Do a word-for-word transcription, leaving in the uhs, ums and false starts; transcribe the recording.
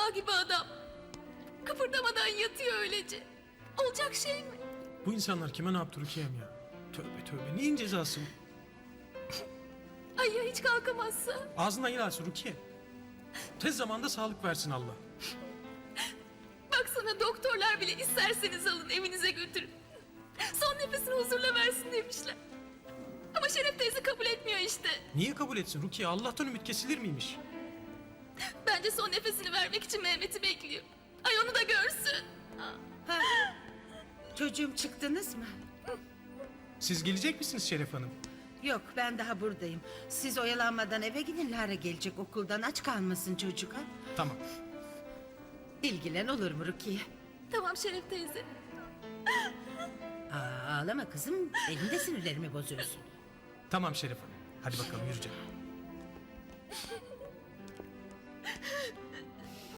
Dağ gibi adam. Kıpırdamadan yatıyor öylece. Olacak şey mi? Bu insanlar kime ne yaptı Rukiye'm ya? Tövbe tövbe, neyin cezası bu? Ay ya hiç kalkamazsa? Ağzından yer alsın Rukiye. Tez zamanda sağlık versin Allah. Baksana doktorlar bile isterseniz alın evinize götürün. Son nefesini huzurla versin demişler. Ama Şeref teyze kabul etmiyor işte. Niye kabul etsin Rukiye? Allah'tan ümit kesilir miymiş? Bence son nefesini vermek için Mehmet'i bekliyor. Ay onu da görsün. Ha. Çocuğum çıktınız mı? Siz gelecek misiniz Şeref Hanım? Yok ben daha buradayım. Siz oyalanmadan eve gidin, Lara gelecek okuldan, aç kalmasın çocuk ha. Tamam. İlgilen olur mu Rukiye? Tamam Şeref teyze. Aa, ağlama kızım, benim de sinirlerimi bozuyorsun. Tamam Şeref Hanım. Hadi bakalım yürü canım.